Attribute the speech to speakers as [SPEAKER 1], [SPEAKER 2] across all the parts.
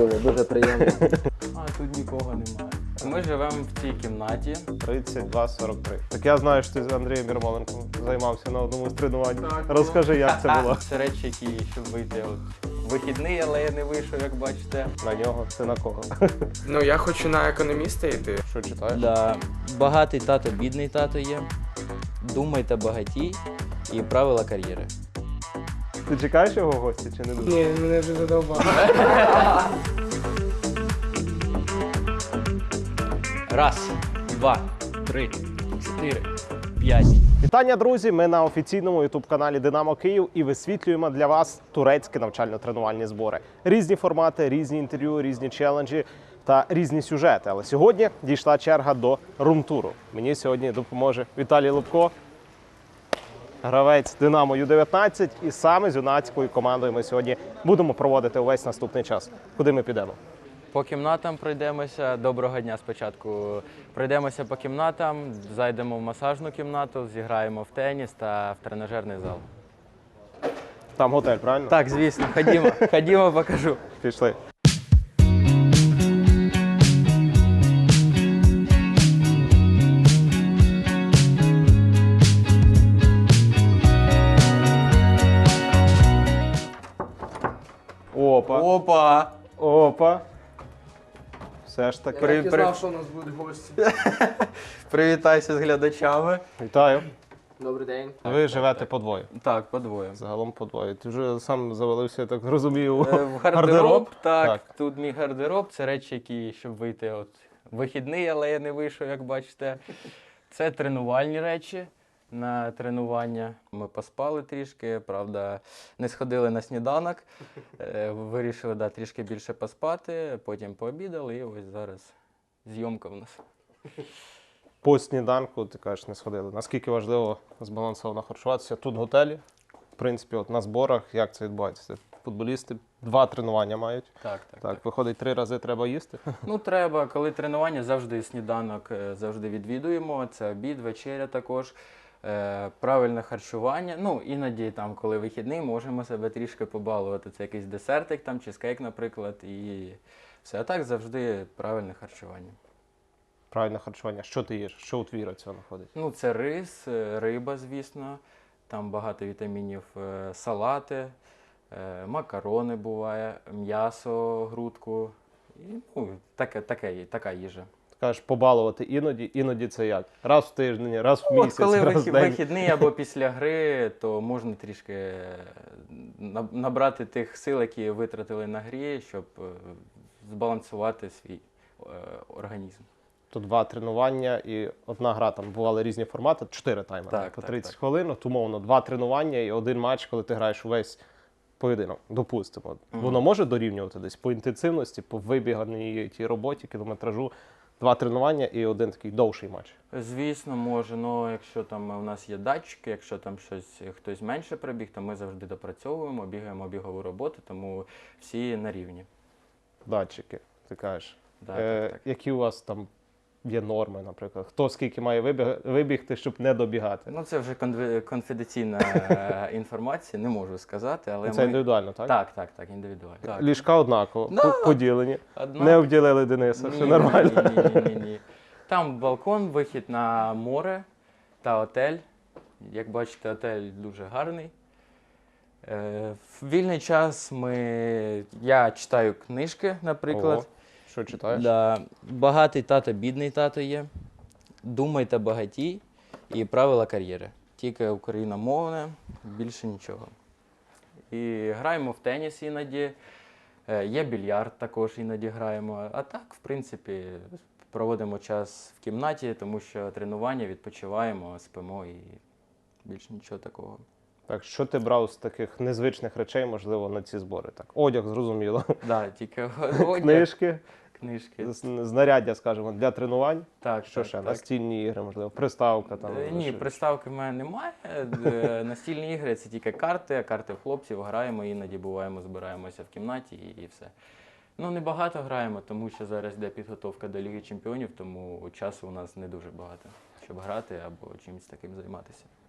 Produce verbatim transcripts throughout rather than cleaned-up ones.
[SPEAKER 1] дуже, дуже приємно.
[SPEAKER 2] А тут нікого немає. Ми живемо в цій кімнаті.
[SPEAKER 3] тридцять два сорок три. Так я знаю, що ти з Андрієм Ярмоленком займався на одному з тренувань. Розкажи, як це було.
[SPEAKER 2] Це речі, які, щоб вийти от вихідний, але я не вийшов, як бачите.
[SPEAKER 3] На нього, це на кого?
[SPEAKER 4] Ну, я хочу на економіста йти.
[SPEAKER 3] Що читаєш?
[SPEAKER 1] Да. Багатий тато, бідний тато є. Думайте багатій і правила кар'єри.
[SPEAKER 3] Ти чекаєш його в гості чи не дуже?
[SPEAKER 4] Ні, мене вже задовбало.
[SPEAKER 1] Раз, два, три, чотири, п'ять.
[SPEAKER 3] Вітання, друзі! Ми на офіційному ютуб-каналі Динамо Київ і висвітлюємо для вас турецькі навчально-тренувальні збори. Різні формати, різні інтерв'ю, різні челенджі та різні сюжети. Але сьогодні дійшла черга до румтуру. Мені сьогодні допоможе Віталій Лубко, гравець Динамо ю дев'ятнадцять. І саме з юнацькою командою ми сьогодні будемо проводити увесь наступний час. Куди ми підемо?
[SPEAKER 2] По кімнатам пройдемося. Доброго дня спочатку. Пройдемося по кімнатам, зайдемо в масажну кімнату, зіграємо в теніс та в тренажерний зал.
[SPEAKER 3] Там готель, правильно?
[SPEAKER 2] Так, звісно, ходімо, ходімо, покажу.
[SPEAKER 3] Пішли. Опа.
[SPEAKER 2] Опа!
[SPEAKER 3] Опа. Все ж таки.
[SPEAKER 2] При-
[SPEAKER 4] Я не
[SPEAKER 2] при-
[SPEAKER 4] знав, що у нас будуть гості.
[SPEAKER 2] Привітайся з глядачами.
[SPEAKER 3] Вітаю.
[SPEAKER 4] Добрий день.
[SPEAKER 3] Ви живете подвоє.
[SPEAKER 2] Так, подвоє.
[SPEAKER 3] Загалом подвоє. Ти вже сам завалився, я так розумію,
[SPEAKER 2] Е, В гардероб, так,
[SPEAKER 3] Так.
[SPEAKER 2] Тут мій гардероб. Це речі, які, щоб вийти от вихідний, але я не вийшов, як бачите. Це тренувальні речі на тренування. Ми поспали трішки, правда, не сходили на сніданок. Е, Вирішили да, трішки більше поспати, потім пообідали і ось зараз зйомка в нас.
[SPEAKER 3] По сніданку, ти кажеш, не сходили. Наскільки важливо збалансовано харчуватися тут в готелі? В принципі, от на зборах, як це відбувається? Футболісти два тренування мають.
[SPEAKER 2] Так, так.
[SPEAKER 3] Так, виходить, три рази треба їсти.
[SPEAKER 2] Ну, треба, коли тренування, завжди сніданок е, завжди відвідуємо. Це обід, вечеря також. Е, правильне харчування. Ну, іноді, там, коли вихідний, можемо себе трішки побалувати. Це якийсь десертик, там, чизкейк, наприклад, і все. А так завжди правильне харчування.
[SPEAKER 3] Правильне харчування. Що ти їш? Що у твій раціон входить?
[SPEAKER 2] Ну, це рис, е, риба, звісно. Там багато вітамінів, е, салати, е, макарони буває, м'ясо, грудку. І, ну, таке, таке, така їжа.
[SPEAKER 3] Ти кажеш, побалувати іноді, іноді це як? Раз в тиждень, раз в
[SPEAKER 2] От
[SPEAKER 3] місяць,
[SPEAKER 2] коли
[SPEAKER 3] раз в
[SPEAKER 2] вихід-
[SPEAKER 3] день.
[SPEAKER 2] вихідний або після гри, то можна трішки е, на- набрати тих сил, які витратили на грі, щоб е, збалансувати свій е, організм.
[SPEAKER 3] То два тренування і одна гра, там бували різні формати, чотири таймери
[SPEAKER 2] Так,
[SPEAKER 3] по
[SPEAKER 2] так,
[SPEAKER 3] тридцять
[SPEAKER 2] так.
[SPEAKER 3] хвилин, от, умовно, два тренування і один матч, коли ти граєш увесь поєдинок, допустимо.
[SPEAKER 2] Мгм.
[SPEAKER 3] Воно може дорівнювати десь по інтенсивності, по вибіганій тій роботі, кілометражу, два тренування і один такий довший матч.
[SPEAKER 2] Звісно, може, але якщо там у нас є датчики, якщо там щось хтось менше прибіг, то ми завжди допрацьовуємо, бігаємо бігову роботу, тому всі на рівні.
[SPEAKER 3] Датчики, ти кажеш.
[SPEAKER 2] Да,
[SPEAKER 3] е,
[SPEAKER 2] так, так.
[SPEAKER 3] Які у вас там є норми, наприклад? Хто скільки має вибіг, вибігти, щоб не добігати?
[SPEAKER 2] Ну, це вже конфі- конфіденційна е, інформація, не можу сказати, але
[SPEAKER 3] Це
[SPEAKER 2] ми...
[SPEAKER 3] індивідуально, так?
[SPEAKER 2] Так, так, так, індивідуально. Так.
[SPEAKER 3] Ліжка однаково,
[SPEAKER 2] Да.
[SPEAKER 3] по- поділені.
[SPEAKER 2] Одна-
[SPEAKER 3] Не обділили Дениса, все
[SPEAKER 2] Ні,
[SPEAKER 3] нормально.
[SPEAKER 2] Ні, ні, ні, ні, ні. Там балкон, вихід на море та отель. Як бачите, отель дуже гарний. Е, В вільний час ми... я читаю книжки, наприклад.
[SPEAKER 3] Ого. Що читаєш?
[SPEAKER 1] Да. Багатий тато, бідний тато є. Думайте багатій і правила кар'єри.
[SPEAKER 2] Тільки україномовне, більше нічого. І граємо в теніс іноді. Е, Є більярд, також іноді граємо. А так, в принципі, проводимо час в кімнаті, тому що тренування, відпочиваємо, спимо і більше нічого такого.
[SPEAKER 3] Так, що ти брав з таких незвичних речей, можливо, на ці збори? Так, одяг, зрозуміло.
[SPEAKER 2] Да, тільки одяг,
[SPEAKER 3] Книжки,
[SPEAKER 2] книжки.
[SPEAKER 3] з- знаряддя, скажімо, для тренувань.
[SPEAKER 2] Так,
[SPEAKER 3] Що
[SPEAKER 2] так,
[SPEAKER 3] ще?
[SPEAKER 2] так.
[SPEAKER 3] Настільні ігри, можливо, приставка там.
[SPEAKER 2] Е, Ні,
[SPEAKER 3] що-
[SPEAKER 2] приставки в мене немає. Е, Настільні ігри це тільки карти, карти в хлопців граємо, іноді буваємо, збираємося в кімнаті і, і все. Ну, не багато граємо, тому що зараз йде підготовка до Ліги Чемпіонів, тому часу у нас не дуже багато, щоб грати або чимось таким займатися.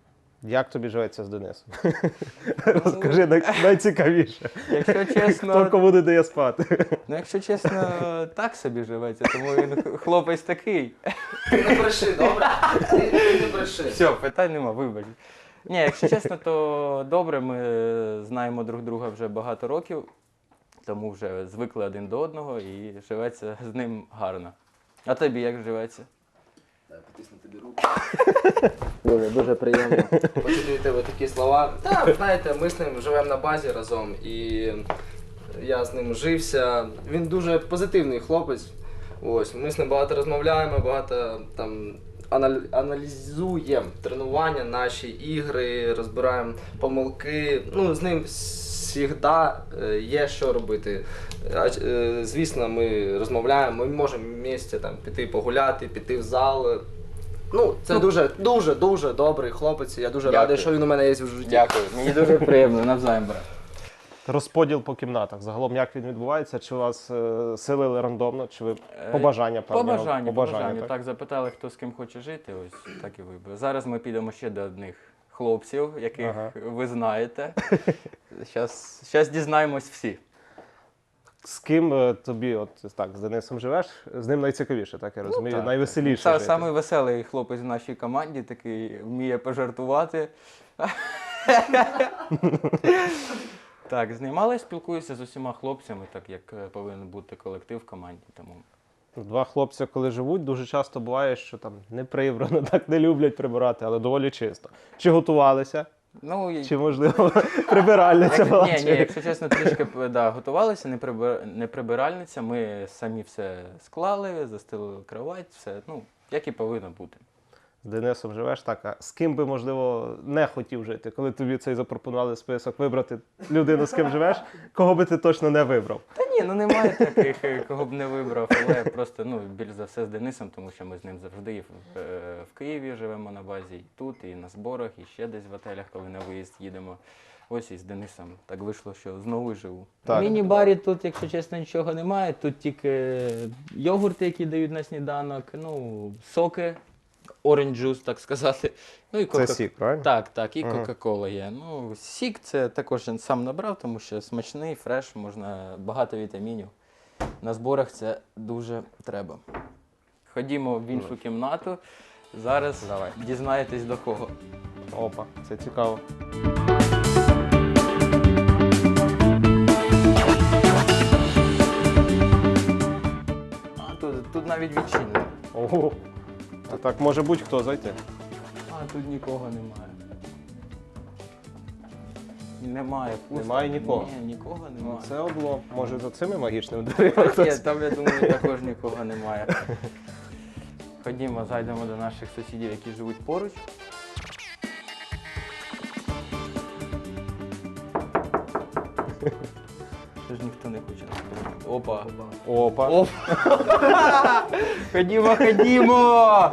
[SPEAKER 3] Як тобі живеться з Денисом? Розкажи най- найцікавіше.
[SPEAKER 2] Якщо
[SPEAKER 3] Хто
[SPEAKER 2] чесно,
[SPEAKER 3] кому не дає спати?
[SPEAKER 2] ну якщо чесно, так собі живеться, тому він хлопець такий.
[SPEAKER 4] Ти не бреши, добре? Ти, ти не бреши.
[SPEAKER 2] Все, питань нема, вибач. Ні, якщо чесно, то добре, ми знаємо друг друга вже багато років, тому вже звикли один до одного і живеться з ним гарно. А тобі як живеться?
[SPEAKER 4] Потисну тобі руку. Дуже, дуже приємно почути від тебе такі слова. Так, знаєте, ми з ним живемо на базі разом і я з ним жився. Він дуже позитивний хлопець. Ось, ми з ним багато розмовляємо, багато там анал- аналізуємо тренування, наші ігри, розбираємо помилки. Ну, з ним завжди є що робити. А, е, Звісно, ми розмовляємо, ми можемо в місті там піти погуляти, піти в зал. Ну, це дуже, дуже, дуже добрий хлопець. Я дуже
[SPEAKER 2] Дякую.
[SPEAKER 4] радий, що він у мене є в житті.
[SPEAKER 2] Дякую, мені дуже приємно, навзаєм, брат.
[SPEAKER 3] Розподіл по кімнатах. Загалом як він відбувається? Чи вас е, селили рандомно, чи ви побажання
[SPEAKER 2] По
[SPEAKER 3] певні?
[SPEAKER 2] бажанню, по бажанню.
[SPEAKER 3] так?
[SPEAKER 2] Так, запитали, хто з ким хоче жити, ось так і вибрав. Зараз ми підемо ще до одних хлопців, яких
[SPEAKER 3] Ага.
[SPEAKER 2] ви знаєте. Щас, щас дізнаємось всі.
[SPEAKER 3] З ким е, тобі, от так, з Денисом живеш? З ним найцікавіше, так я розумію,
[SPEAKER 2] Ну, так,
[SPEAKER 3] найвеселіше
[SPEAKER 2] Са-
[SPEAKER 3] жити.
[SPEAKER 2] Самий веселий хлопець в нашій команді, такий вміє пожартувати. Так, з ним, але спілкуюся з усіма хлопцями, так як е, повинен бути колектив в команді. Тому
[SPEAKER 3] Два хлопці, коли живуть, дуже часто буває, що там не прибрано, так не люблять прибирати, але доволі чисто. Чи готувалися?
[SPEAKER 2] ну, і-
[SPEAKER 3] Чи, можливо, прибиральниця була?
[SPEAKER 2] Ні, ні,
[SPEAKER 3] чи-
[SPEAKER 2] якщо чесно, трішки да, готувалися, не, прибир... не прибиральниця. Ми самі все склали, застелили кровать, все, ну, як і повинно бути.
[SPEAKER 3] З Денисом живеш так, а з ким би, можливо, не хотів жити? Коли тобі цей запропонували список вибрати людину, з ким живеш, кого би ти точно не вибрав?
[SPEAKER 2] Та ні, ну немає таких, е, кого б не вибрав, але просто ну, більш за все з Денисом, тому що ми з ним завжди і в, е, в Києві живемо на базі, і тут, і на зборах, і ще десь в отелях, коли на виїзд їдемо. Ось і з Денисом так вийшло, що знову й живу.
[SPEAKER 3] Так.
[SPEAKER 2] В міні-барі тут, якщо чесно, нічого немає. Тут тільки йогурти, які дають на сніданок, ну, соки, orange juice, так сказати. Ну, і
[SPEAKER 3] Це
[SPEAKER 2] кока...
[SPEAKER 3] сік, правильно?
[SPEAKER 2] Так, так, і
[SPEAKER 3] Ага.
[SPEAKER 2] Кока-Кола є. Ну, сік це також я сам набрав, тому що смачний, фреш, можна багато вітамінів. На зборах це дуже треба. Ходімо в іншу кімнату. Зараз
[SPEAKER 3] Давай.
[SPEAKER 2] дізнаєтесь до кого.
[SPEAKER 3] Опа, це цікаво.
[SPEAKER 2] А, тут, тут навіть відчинено.
[SPEAKER 3] Ого. А так може будь-хто зайти.
[SPEAKER 2] А, тут нікого немає. Немає, пусто.
[SPEAKER 3] Немає нікого?
[SPEAKER 2] Ні, нікого
[SPEAKER 3] Ну,
[SPEAKER 2] немає.
[SPEAKER 3] це облом. Може за цими магічними дверима
[SPEAKER 2] Ні,
[SPEAKER 3] хтось?
[SPEAKER 2] там, я думаю, також нікого немає. Ходімо, зайдемо до наших сусідів, які живуть поруч. Що ж ніхто не хоче нас прийняти? Опа.
[SPEAKER 3] Опа.
[SPEAKER 2] Опа. Ходімо, ходімо!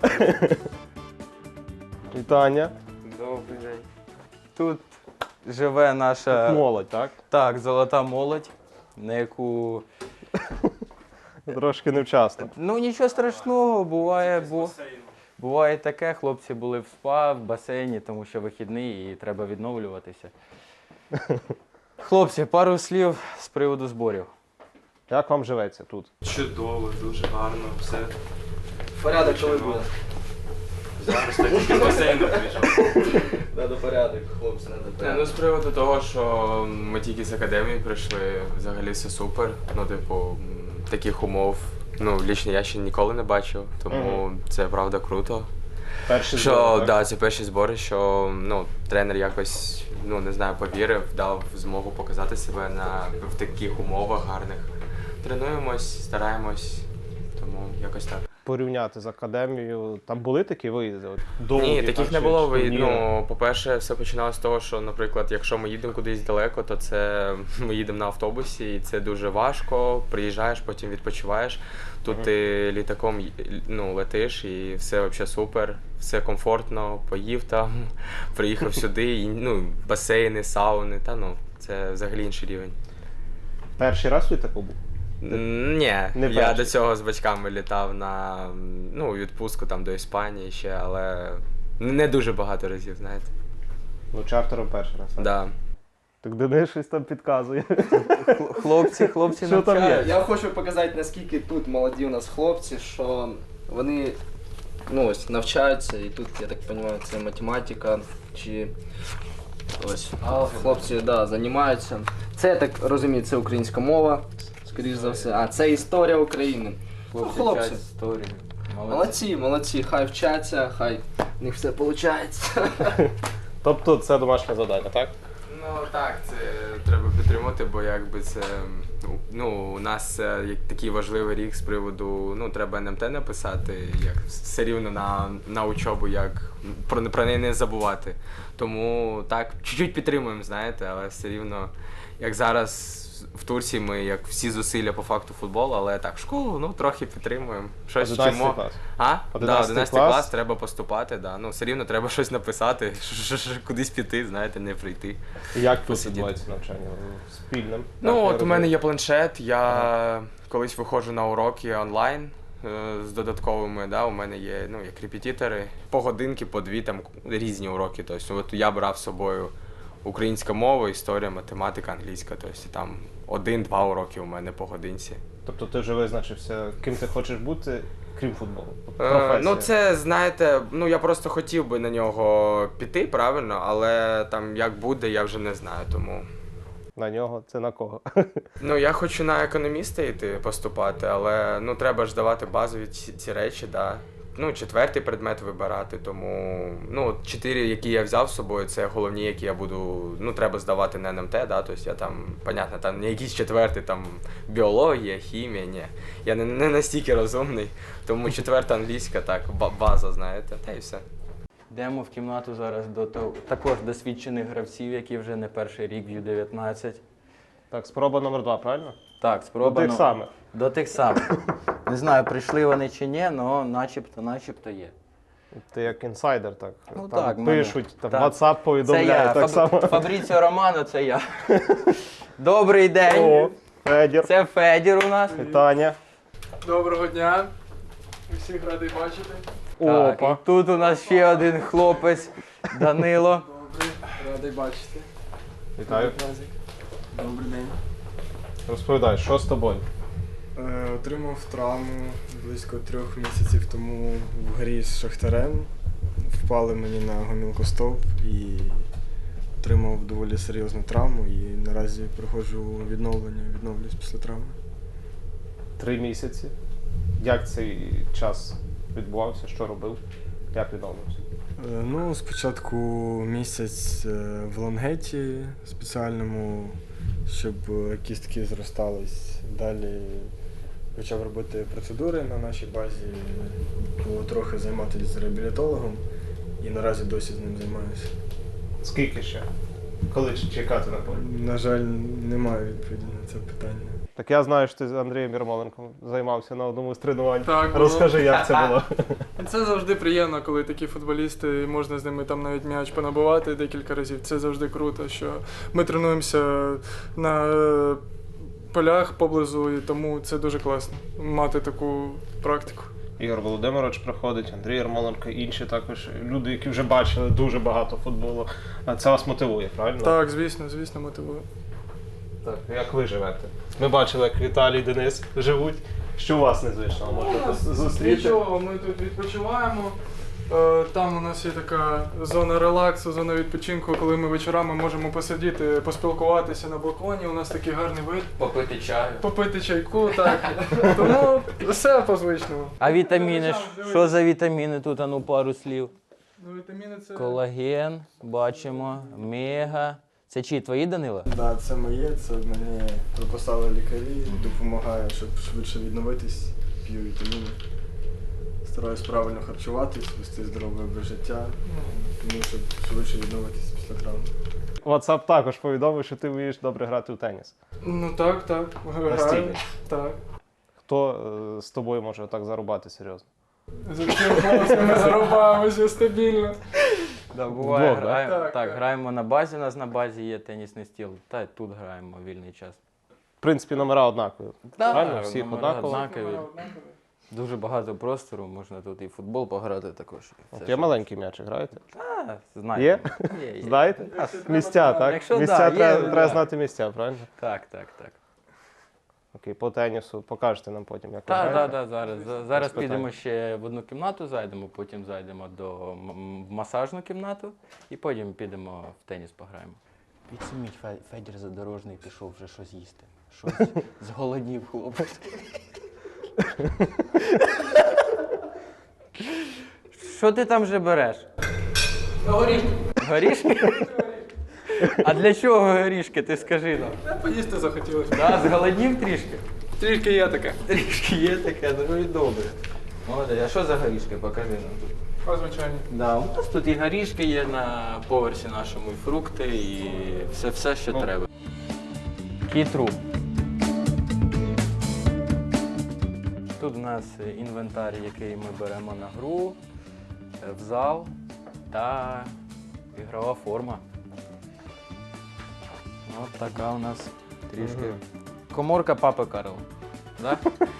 [SPEAKER 3] Вітання.
[SPEAKER 2] Добрий день. Тут живе наша
[SPEAKER 3] Молодь, так?
[SPEAKER 2] так, золота молодь, на яку
[SPEAKER 3] Трошки невчасно.
[SPEAKER 2] ну нічого страшного, буває, бо буває таке. Хлопці були в спа, в басейні, тому що вихідний і треба відновлюватися. Хлопці, пару слів з приводу зборів.
[SPEAKER 3] Як вам живеться тут?
[SPEAKER 5] Чудово, дуже гарно, все.
[SPEAKER 4] Порядок, коли буде.
[SPEAKER 5] Зараз так тільки з басейну прийшов.
[SPEAKER 4] Надо порядок, хлопці, надо
[SPEAKER 5] Не,
[SPEAKER 4] порядок.
[SPEAKER 5] ну з приводу того, що ми тільки з академії прийшли, взагалі все супер. Ну, типу, м, таких умов. Ну, лічно я ще ніколи не бачив, тому це правда круто.
[SPEAKER 3] Перші
[SPEAKER 5] Що,
[SPEAKER 3] збори,
[SPEAKER 5] так, да, це перші збори, що ну, тренер якось, ну не знаю, повірив, дав змогу показати себе на, в таких умовах гарних. Тренуємось, стараємось, тому якось так.
[SPEAKER 3] Порівняти з академією, там були такі виїзди? От, довгі,
[SPEAKER 5] Ні,
[SPEAKER 3] там,
[SPEAKER 5] таких не
[SPEAKER 3] чи-
[SPEAKER 5] було.
[SPEAKER 3] чи
[SPEAKER 5] Ви-
[SPEAKER 3] турніри?
[SPEAKER 5] Ну, по-перше, все починалося з того, що, наприклад, якщо ми їдемо кудись далеко, то це ми їдемо на автобусі, і це дуже важко. Приїжджаєш, потім відпочиваєш. Тут ти літаком й- ну, летиш, і все взагалі супер, все комфортно, поїв там, приїхав сюди, і, ну, басейни, сауни, та ну, це взагалі інший рівень.
[SPEAKER 3] Перший раз у такого був?
[SPEAKER 5] Н- Ні,
[SPEAKER 3] Не
[SPEAKER 5] я
[SPEAKER 3] перший.
[SPEAKER 5] до цього з батьками літав на ну, відпустку там до Іспанії ще, але не дуже багато разів, знаєте.
[SPEAKER 3] Ну, чартером перший раз. так?
[SPEAKER 5] Да.
[SPEAKER 3] Так Денис щось там підказує.
[SPEAKER 1] Хлопці, хлопці
[SPEAKER 3] Що там є?
[SPEAKER 1] навчають.
[SPEAKER 4] Я хочу показати, наскільки тут молоді у нас хлопці, що вони ну, ось, навчаються, і тут, я так розумію, це математика, чи ось хлопці да, займаються. Це, я так розумію, це українська мова, скоріш за все. А, це історія України. Ну, хлопці.
[SPEAKER 1] вчать історію.
[SPEAKER 4] Молодці, молодці, хай вчаться, хай в них все виходить.
[SPEAKER 3] Тобто це домашнє завдання, так?
[SPEAKER 5] Ну так, це треба підтримати, бо якби це ну у нас е, як такий важливий рік з приводу, ну треба ен ем те написати, як все рівно на, на учобу, як про, про неї не забувати. Тому так, чуть-чуть підтримуємо, знаєте, але все рівно, як зараз в Турції ми як всі зусилля по факту футболу, але так, школу, ну трохи підтримуємо. Щось
[SPEAKER 3] одинадцятий
[SPEAKER 5] вчимо.
[SPEAKER 3] клас.
[SPEAKER 5] А? Да,
[SPEAKER 3] одинадцятий
[SPEAKER 5] одинадцятий
[SPEAKER 3] клас.
[SPEAKER 5] клас, треба поступати, да. Ну, все рівно треба щось написати, ш- ш- ш- кудись піти, знаєте, не прийти.
[SPEAKER 3] Як тут
[SPEAKER 5] Посидіти.
[SPEAKER 3] відбувається навчання? Спільним?
[SPEAKER 5] Ну,
[SPEAKER 3] Так, я
[SPEAKER 5] от у
[SPEAKER 3] розумію.
[SPEAKER 5] мене є планшет, я колись виходжу на уроки онлайн е, з додатковими, да, у мене є ну, як репетитори, по годинки, по дві, там різні уроки. Тобто, от я брав з собою українська мова, історія, математика, англійська. Тобто, там один-два уроки у мене по годинці.
[SPEAKER 3] Тобто ти вже визначився, ким ти хочеш бути, крім футболу?
[SPEAKER 5] Е,
[SPEAKER 3] Професія.
[SPEAKER 5] ну, це, знаєте, ну я просто хотів би на нього піти, правильно, але там як буде, я вже не знаю, тому.
[SPEAKER 3] На нього? Це на кого?
[SPEAKER 5] Ну, я хочу на економіста йти поступати, але ну треба ж давати базові ці, ці речі, да. Ну, четвертий предмет вибирати, тому ну, от чотири, які я взяв з собою, це головні, які я буду, ну, треба здавати на ен ем те, да, тобто я там, понятно, там не якийсь четвертий, там біологія, хімія, ні. Я не, не настільки розумний, тому четверта англійська, так, ба- база, знаєте, та й все.
[SPEAKER 1] Йдемо в кімнату зараз до того- також досвідчених гравців, які вже не перший рік в ю дев'ятнадцять.
[SPEAKER 3] Так, спроба номер два, правильно?
[SPEAKER 1] Так,
[SPEAKER 3] До
[SPEAKER 1] спроба.
[SPEAKER 3] тих
[SPEAKER 1] ну,
[SPEAKER 3] самих.
[SPEAKER 1] До тих самих. Не знаю, прийшли вони чи ні, але начебто, начебто є.
[SPEAKER 3] Ти як інсайдер, так.
[SPEAKER 1] Ну,
[SPEAKER 3] там
[SPEAKER 1] так, в мене-
[SPEAKER 3] пишуть, там
[SPEAKER 1] так.
[SPEAKER 3] WhatsApp
[SPEAKER 1] Це
[SPEAKER 3] повідомляє,
[SPEAKER 1] я,
[SPEAKER 3] так
[SPEAKER 1] Фаб...
[SPEAKER 3] само.
[SPEAKER 1] Фабріціо Романо, це я. Добрий день.
[SPEAKER 3] О, Федір,
[SPEAKER 1] Це Федір у нас.
[SPEAKER 3] вітання.
[SPEAKER 6] Доброго дня. Всіх радий бачити.
[SPEAKER 1] Так,
[SPEAKER 3] Опа.
[SPEAKER 1] і тут у нас ще один хлопець, Данило.
[SPEAKER 6] Добрий, радий бачити.
[SPEAKER 3] Вітаю.
[SPEAKER 6] Добрий день.
[SPEAKER 3] Розповідай, що з тобою?
[SPEAKER 6] Е, отримав травму близько трьох місяців тому в грі з Шахтарем. Впали мені на гомілкостовп і отримав доволі серйозну травму і наразі проходжу відновлення, відновлююсь після травми.
[SPEAKER 3] Три місяці. Як цей час відбувався? Що робив? Як відновився?
[SPEAKER 6] Е, Ну, спочатку місяць е, в лонгеті спеціальному, щоб е, кістки зростались. Далі почав робити процедури на нашій базі, було трохи займатися з реабілітологом і наразі досі з ним займаюся.
[SPEAKER 3] Скільки ще? Коли чекати на полі?
[SPEAKER 6] На жаль, немає відповіді на це питання.
[SPEAKER 3] Так я знаю, що ти з Андрієм Ярмоленком займався на одному з тренувань.
[SPEAKER 7] Так, було.
[SPEAKER 3] Розкажи, як це було.
[SPEAKER 7] Це завжди приємно, коли такі футболісти, можна з ними там навіть м'яч понабивати декілька разів. Це завжди круто, що ми тренуємося на е, полях поблизу, і тому це дуже класно мати таку практику.
[SPEAKER 3] Ігор Володимирович приходить, Андрій Ярмоленко, інші також люди, які вже бачили дуже багато футболу. А це вас мотивує, правильно?
[SPEAKER 7] Так, звісно, звісно, мотивує.
[SPEAKER 3] Так, як ви живете? Ми бачили, як Віталій і Денис живуть. Що у вас незвичного можете зустріти?
[SPEAKER 7] Нічого, ми тут відпочиваємо. Е, Там у нас є така зона релаксу, зона відпочинку, коли ми вечорами можемо посидіти, поспілкуватися на балконі. У нас такий гарний вид.
[SPEAKER 5] Попити чаю.
[SPEAKER 7] Попити чайку, так. Тому все по звичному.
[SPEAKER 1] А вітаміни? ж? Що за вітаміни тут? А ну пару слів.
[SPEAKER 7] Ну, вітаміни це...
[SPEAKER 1] Колаген, бачимо, мега. Це чи твої, Данила?
[SPEAKER 6] Так, да, це моє, це мені прописали лікарі, допомагає, щоб швидше відновитись, п'ю вітаміни. Стараюсь правильно харчуватись, вести здоровий образ життя, тому щоб швидше відновитись після травми.
[SPEAKER 3] WhatsApp також повідомив, що ти вмієш добре грати у теніс.
[SPEAKER 7] Ну так, так. Граю.
[SPEAKER 3] Настільки?
[SPEAKER 7] Так.
[SPEAKER 3] Хто е, з тобою може так зарубати серйозно?
[SPEAKER 7] За таким голосом ми зарубаємося стабільно.
[SPEAKER 1] Да, буває,
[SPEAKER 3] Вдвох, да?
[SPEAKER 1] граємо.
[SPEAKER 7] Так,
[SPEAKER 1] Так,
[SPEAKER 7] так.
[SPEAKER 1] граємо на базі, у нас на базі є тенісний стіл. Та й тут граємо в вільний час.
[SPEAKER 3] В принципі, номера однакові.
[SPEAKER 1] Так,
[SPEAKER 3] Правильно? Всіх
[SPEAKER 1] номера
[SPEAKER 3] однаково?
[SPEAKER 1] однакові.
[SPEAKER 7] Однакові.
[SPEAKER 2] Дуже багато простору, можна тут і в футбол пограти також. і все,
[SPEAKER 3] От є
[SPEAKER 2] що-
[SPEAKER 3] маленький м'ячик, граєте?
[SPEAKER 2] А, знаєте.
[SPEAKER 3] Є?
[SPEAKER 2] Є, є.
[SPEAKER 3] Знаєте? Місця, так?
[SPEAKER 2] Якщо
[SPEAKER 3] Місця
[SPEAKER 2] да, є,
[SPEAKER 3] треба,
[SPEAKER 2] да.
[SPEAKER 3] треба знати місця, правильно?
[SPEAKER 2] Так, так, так.
[SPEAKER 3] Окей, по тенісу покажете нам потім, як ви
[SPEAKER 2] Так,
[SPEAKER 3] граєте?
[SPEAKER 2] так, так, зараз. За- Зараз
[SPEAKER 3] питань.
[SPEAKER 2] підемо ще в одну кімнату, зайдемо, потім зайдемо до м- м- в масажну кімнату і потім підемо в теніс пограємо. Підсуміть, Фе- Федір Задорожний пішов вже щось їсти. Щось зголоднів хлопець. Що ти там вже береш?
[SPEAKER 7] Горішки.
[SPEAKER 2] Горішки? А для чого горішки, ти скажи нам?
[SPEAKER 7] Поїсти захотілося.
[SPEAKER 2] Да, зголоднів трішки?
[SPEAKER 7] Трішки є таке.
[SPEAKER 2] Трішки є таке, ну і добре. Молодець, а що за горішки? Покажи нам тут.
[SPEAKER 7] А, звичайно.
[SPEAKER 2] Да, у нас тут і горішки є на поверсі нашому, і фрукти, і все, все що треба. Кітру. Тут у нас інвентар, який ми беремо на гру, в зал та ігрова форма. От така у нас трішки. Коморка папи Карла. Да?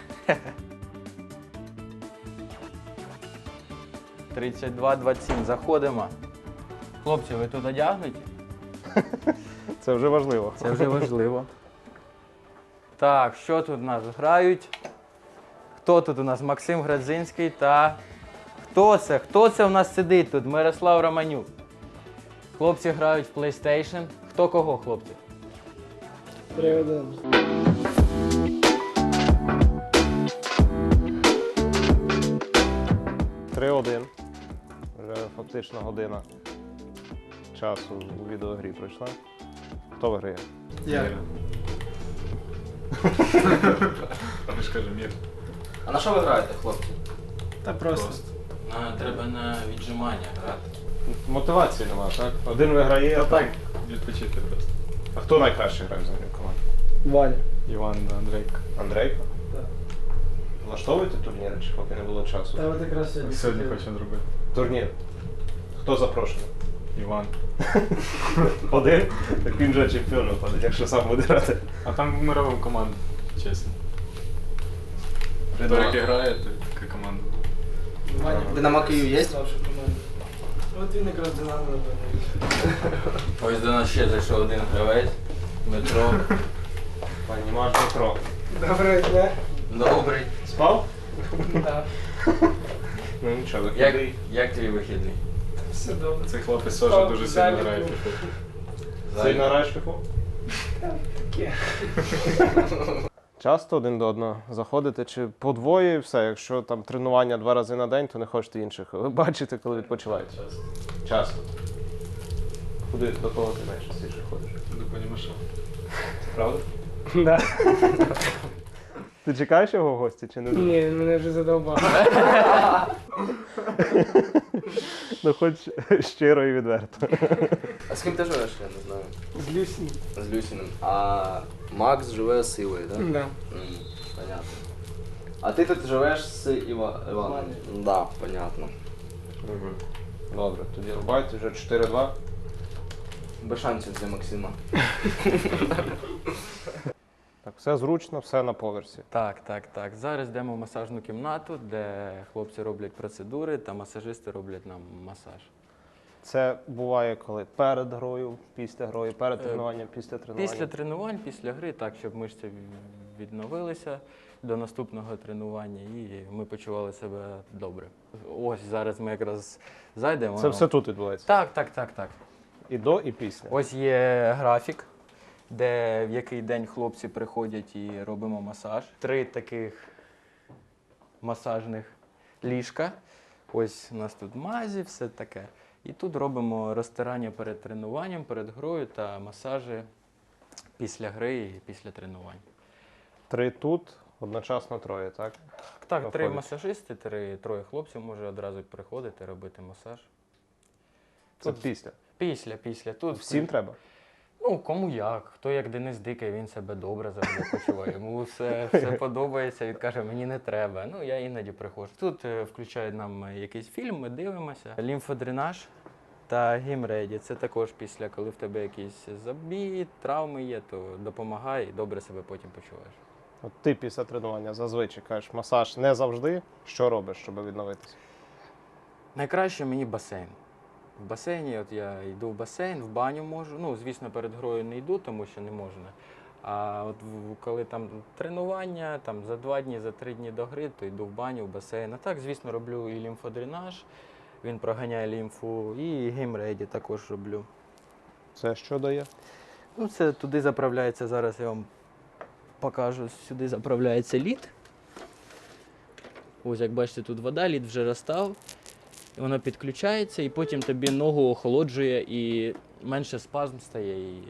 [SPEAKER 2] тридцять два двадцять сім. Заходимо. Хлопці, ви тут одягнуті?
[SPEAKER 3] Це вже важливо.
[SPEAKER 2] Це вже важливо. Так, що тут у нас грають? Хто тут у нас? Максим Градзинський та. Хто це? Хто це у нас сидить тут? Мирослав Романюк. Хлопці грають в PlayStation. Хто кого, хлопці?
[SPEAKER 3] три один. Вже фактично година часу у відеогрі пройшла. Хто виграє?
[SPEAKER 7] Я.
[SPEAKER 4] А на що ви граєте, хлопці?
[SPEAKER 7] Та просто.
[SPEAKER 2] А, треба на віджимання грати.
[SPEAKER 3] Мотивації нема, так? Один виграє, а так.
[SPEAKER 6] Відпочити просто.
[SPEAKER 3] А хто найкраще грає взагалі в команді?
[SPEAKER 7] Валя.
[SPEAKER 6] Іван да, Андрейко.
[SPEAKER 3] Андрейко?
[SPEAKER 7] Так.
[SPEAKER 3] Влаштовуєте турніри, чи поки не було часу?
[SPEAKER 7] Та от якраз сьогодні.
[SPEAKER 6] Сьогодні хочемо зробити.
[SPEAKER 3] Турнір. Хто запрошений?
[SPEAKER 6] Іван.
[SPEAKER 3] Один? Так він же чемпіон виходить, якщо сам буде грати.
[SPEAKER 6] А там ми робимо команду, чесно. Хто який грає, то така команда.
[SPEAKER 4] Динамо Київ є?
[SPEAKER 7] От він якраз Динамо, напевно.
[SPEAKER 2] Ось до нас ще зайшов один гравець. Дмитро.
[SPEAKER 3] Пані Маш Дмитро.
[SPEAKER 7] Доброго дня.
[SPEAKER 2] Добрий.
[SPEAKER 3] Спав?
[SPEAKER 7] Так.
[SPEAKER 3] Ну нічого,
[SPEAKER 2] Як,
[SPEAKER 3] вихідний.
[SPEAKER 2] як твій вихідний?
[SPEAKER 7] Все добре.
[SPEAKER 6] Цей хлопець
[SPEAKER 7] Спав,
[SPEAKER 6] теж дуже сильно
[SPEAKER 7] далі
[SPEAKER 6] грає в
[SPEAKER 7] був.
[SPEAKER 6] фіфу.
[SPEAKER 3] Сильно граєш в фіфу?
[SPEAKER 7] Таке.
[SPEAKER 3] Часто один до одного заходите, чи по двоє і все. Якщо там тренування два рази на день, то не хочете інших. Ви бачите, коли відпочиваєте? Часто. Часто. Куди до кого ти найчастіше ходиш?
[SPEAKER 6] До пані Маша.
[SPEAKER 3] Правда?
[SPEAKER 7] Да.
[SPEAKER 3] Ти чекаєш його в гості чи не?
[SPEAKER 7] Ні, він мене вже задовбав.
[SPEAKER 3] Ну хоч щиро і відверто.
[SPEAKER 4] А з ким ти живеш, я не знаю.
[SPEAKER 7] З Люсі.
[SPEAKER 4] З Люсіним. А Макс живе з Івою, так?
[SPEAKER 7] Да.
[SPEAKER 4] М, понятно. А ти тут живеш з Іва... Іваном? Да, понятно.
[SPEAKER 3] Добре, тоді рубайте вже чотири два.
[SPEAKER 4] Без шансів для Максима.
[SPEAKER 3] Так, все зручно, все на поверсі.
[SPEAKER 2] Так, так, так. Зараз йдемо в масажну кімнату, де хлопці роблять процедури та масажисти роблять нам масаж.
[SPEAKER 3] Це буває коли перед грою, після грою, перед
[SPEAKER 2] Е,
[SPEAKER 3] тренуванням, після тренування.
[SPEAKER 2] Після тренувань, після гри, так, щоб мишці в- відновилися до наступного тренування і ми почували себе добре. Ось зараз ми якраз зайдемо.
[SPEAKER 3] Це все тут відбувається.
[SPEAKER 2] Так, так, так, так.
[SPEAKER 3] І до, і після.
[SPEAKER 2] Ось є графік, де в який день хлопці приходять і робимо масаж. Три таких масажних ліжка. Ось у нас тут мазі, все таке. І тут робимо розтирання перед тренуванням, перед грою та масажі після гри і після тренувань.
[SPEAKER 3] Три тут, одночасно троє, так?
[SPEAKER 2] Так, три
[SPEAKER 3] Проходять.
[SPEAKER 2] масажисти, три, троє хлопців може одразу приходити, робити масаж.
[SPEAKER 3] Це
[SPEAKER 2] Тут-
[SPEAKER 3] після.
[SPEAKER 2] Після, після. Тут
[SPEAKER 3] Всім треба.
[SPEAKER 2] Ну, кому як. Хто як Денис Дикий, він себе добре завжди почуває. Йому все, все подобається, він каже, мені не треба. Ну, я іноді приходжу. Тут е, включають нам е, якийсь фільм, ми дивимося. Лімфодренаж та гімреді. Це також після, коли в тебе якісь забій, травми є, то допомагає і добре себе потім почуваєш.
[SPEAKER 3] От ти після тренування зазвичай кажеш, масаж не завжди. Що робиш, щоб відновитися?
[SPEAKER 2] Найкраще мені басейн. В басейні, от я йду в басейн, в баню можу. Ну, звісно, перед грою не йду, тому що не можна. А от в- коли там тренування, там за два дні, за три дні до гри, то йду в баню, в басейн. А так, звісно, роблю і лімфодренаж, він проганяє лімфу, і геймреді також роблю.
[SPEAKER 3] Це що дає?
[SPEAKER 2] Ну, це туди заправляється, зараз я вам покажу, сюди заправляється лід. Ось, як бачите, тут вода, лід вже розстав. І воно підключається, і потім тобі ногу охолоджує, і менше спазм стає, і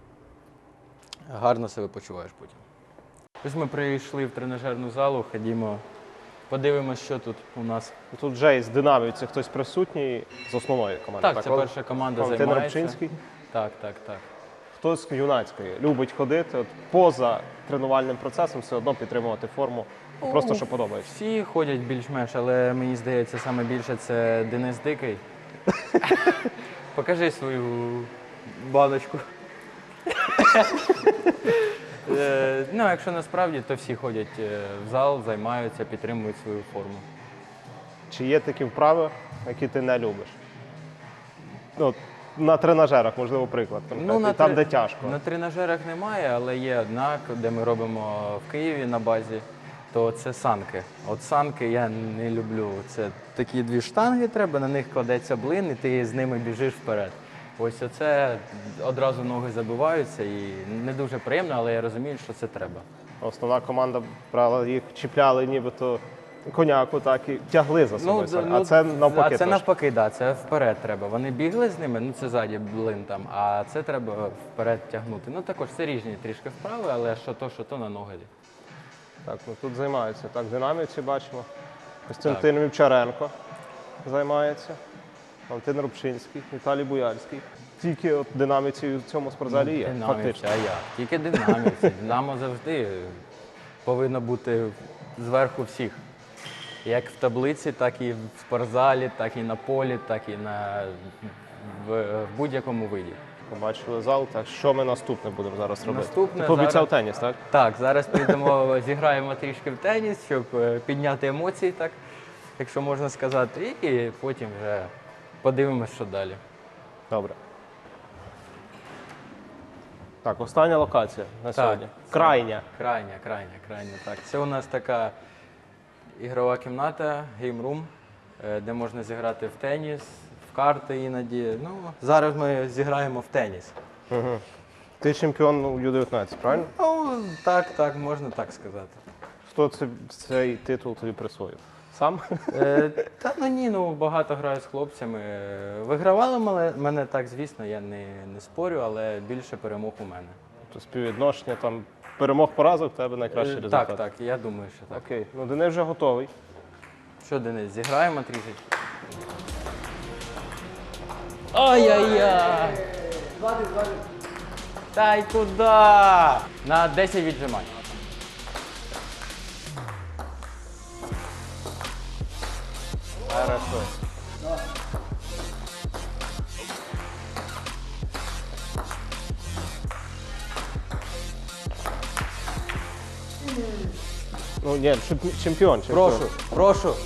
[SPEAKER 2] гарно себе почуваєш потім. Ось ми прийшли в тренажерну залу, ходімо, подивимось, що тут у нас.
[SPEAKER 3] Тут вже із динамівців хтось присутній з основної команди.
[SPEAKER 2] Так, це
[SPEAKER 3] Ол-
[SPEAKER 2] перша команда
[SPEAKER 3] Валентин
[SPEAKER 2] займається.
[SPEAKER 3] Рибчинський.
[SPEAKER 2] Так, так, так.
[SPEAKER 3] Хтось з юнацької любить ходити, от поза тренувальним процесом все одно підтримувати форму. Просто що подобається.
[SPEAKER 2] Всі ходять більш-менш, але мені здається, саме більше це Денис Дикий. Покажи свою баночку. Е, Ну, якщо насправді, то всі ходять е, в зал, займаються, підтримують свою форму.
[SPEAKER 3] Чи є такі вправи, які ти не любиш? Ну, от на тренажерах, можливо, приклад. конкретний,
[SPEAKER 2] на
[SPEAKER 3] там,
[SPEAKER 2] тре-
[SPEAKER 3] де тяжко.
[SPEAKER 2] На тренажерах немає, але є одна, де ми робимо в Києві на базі, то це санки. От санки я не люблю. Це такі дві штанги треба, на них кладеться блин, і ти з ними біжиш вперед. Ось оце одразу ноги забиваються і не дуже приємно, але я розумію, що це треба.
[SPEAKER 3] Основна команда брала їх, чіпляли нібито коняку, так і тягли за собою.
[SPEAKER 2] да,
[SPEAKER 3] а це навпаки.
[SPEAKER 2] А це
[SPEAKER 3] трошки.
[SPEAKER 2] навпаки, да, це вперед треба. Вони бігли з ними, ну це ззаді блин там, а це треба вперед тягнути. Ну також це різні трішки вправи, але що то, що то на ноги.
[SPEAKER 3] Так, ну тут займаються. Так, динамівці бачимо. Костянтин Вівчаренко займається. Валентин Рубчинський, Віталій Буяльський. Тільки от динамівці в цьому спортзалі є,
[SPEAKER 2] Динамівці,
[SPEAKER 3] фактично.
[SPEAKER 2] а як? Тільки динамівці. Динамо завжди повинно бути зверху всіх. Як в таблиці, так і в спортзалі, так і на полі, так і на, в, в будь-якому виді.
[SPEAKER 3] Побачили зал, так що ми наступне будемо зараз робити?
[SPEAKER 2] Наступне
[SPEAKER 3] Ти пообіцяв
[SPEAKER 2] зараз-
[SPEAKER 3] теніс, так?
[SPEAKER 2] Так, зараз підемо, зіграємо трішки в теніс, щоб е, підняти емоції, так, якщо можна сказати, і потім вже подивимось, що далі.
[SPEAKER 3] Добре. Так, остання локація на
[SPEAKER 2] Так.
[SPEAKER 3] сьогодні. Крайня.
[SPEAKER 2] Крайня, крайня, крайня. Так. Це у нас така ігрова кімната, геймрум, е, де можна зіграти в теніс, в карти іноді. Ну, зараз ми зіграємо в теніс.
[SPEAKER 3] Угу. Ти чемпіон у Ю дев'ятнадцять, правильно?
[SPEAKER 2] Ну, так, так, можна так сказати.
[SPEAKER 3] Хто це, цей титул тобі присвоїв? Сам?
[SPEAKER 2] Е, та ну ні, ну багато граю з хлопцями. Е, Вигравали мене, мене так, звісно, я не, не спорю, але більше перемог у мене.
[SPEAKER 3] То співвідношення там перемог поразок в тебе найкращий
[SPEAKER 2] Е,
[SPEAKER 3] результат.
[SPEAKER 2] Так, так, я думаю, що так.
[SPEAKER 3] Окей. Ну Денис вже готовий.
[SPEAKER 2] Що, Денис, зіграємо трішечки? Ай-яй-яй! Та й куди? На десять віджимань.
[SPEAKER 3] Хорошо. Ну ні, чемпіон, чемпіон.
[SPEAKER 2] Прошу, прошу.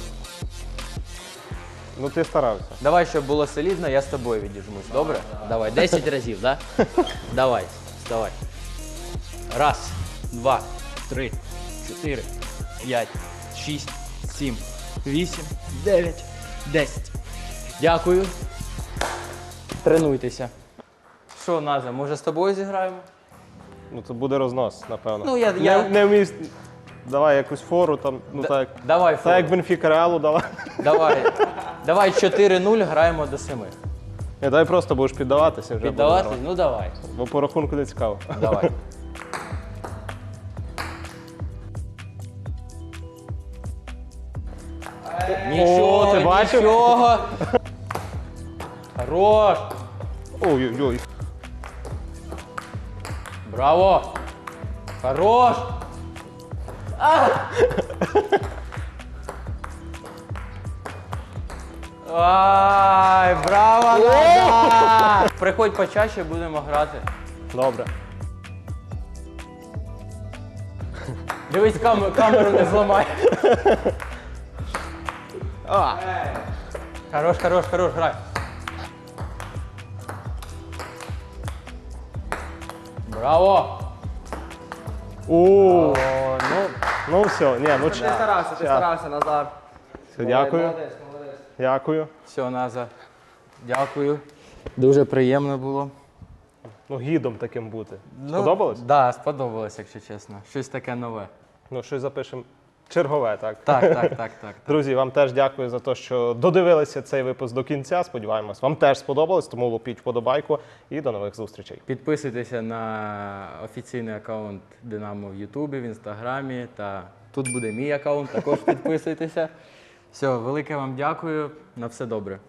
[SPEAKER 3] Ну ти старався.
[SPEAKER 2] Давай, щоб було солідно, я з тобою відіжмусь, добре? Давай, десять разів, да? Давай, вставай. Раз, два, три, чотири, п'ять, шість, сім, вісім, дев'ять, десять. Дякую. Тренуйтеся. Що, Наза, може з тобою зіграємо?
[SPEAKER 3] Ну це буде рознос, напевно.
[SPEAKER 2] Ну, я-
[SPEAKER 3] не,
[SPEAKER 2] я-
[SPEAKER 3] не вмієш. Давай якусь фору там, ну
[SPEAKER 2] Д-
[SPEAKER 3] так.
[SPEAKER 2] Давай,
[SPEAKER 3] Так як
[SPEAKER 2] фору.
[SPEAKER 3] Бенфіка Реалу дала.
[SPEAKER 2] Давай. Давай чотири нуль, граємо до семи.
[SPEAKER 3] Ні, давай просто будеш піддаватися вже. буде
[SPEAKER 2] Піддавати?
[SPEAKER 3] нормально.
[SPEAKER 2] Ну давай.
[SPEAKER 3] Бо по рахунку не цікаво.
[SPEAKER 2] Давай. Нічого,
[SPEAKER 3] ти бачив?
[SPEAKER 2] нічого. Хорош.
[SPEAKER 3] Ой-ой-ой.
[SPEAKER 2] Браво. Хорош. А! Ай, браво, Назар! Приходь почаще, будемо грати.
[SPEAKER 3] Добре.
[SPEAKER 2] Дивись, камеру, камеру не зламай.
[SPEAKER 3] А,
[SPEAKER 2] Хорош, хорош, хорош, грай. Браво!
[SPEAKER 3] у,
[SPEAKER 2] О, ну,
[SPEAKER 3] ну все, ні, ну
[SPEAKER 4] Ти
[SPEAKER 3] ч-
[SPEAKER 4] старався, ти
[SPEAKER 3] Ща.
[SPEAKER 4] старався, Назар.
[SPEAKER 3] Все, дякую,
[SPEAKER 4] Молодець, молодець.
[SPEAKER 3] дякую.
[SPEAKER 2] все, Наза. Дякую. Дуже приємно було.
[SPEAKER 3] Ну, гідом таким бути. Сподобалось?
[SPEAKER 2] Так, да, сподобалось, якщо чесно. Щось таке нове.
[SPEAKER 3] Ну, щось запишемо чергове, так?
[SPEAKER 2] Так, так, так, так. так.
[SPEAKER 3] Друзі, вам теж дякую за те, що додивилися цей випуск до кінця. Сподіваємось, вам теж сподобалось, тому лупіть вподобайку і до нових зустрічей.
[SPEAKER 2] Підписуйтеся на офіційний аккаунт Динамо в Ютубі, в Інстаграмі. Та тут буде мій аккаунт, також підписуйтеся. Все, велике вам дякую. На все добре.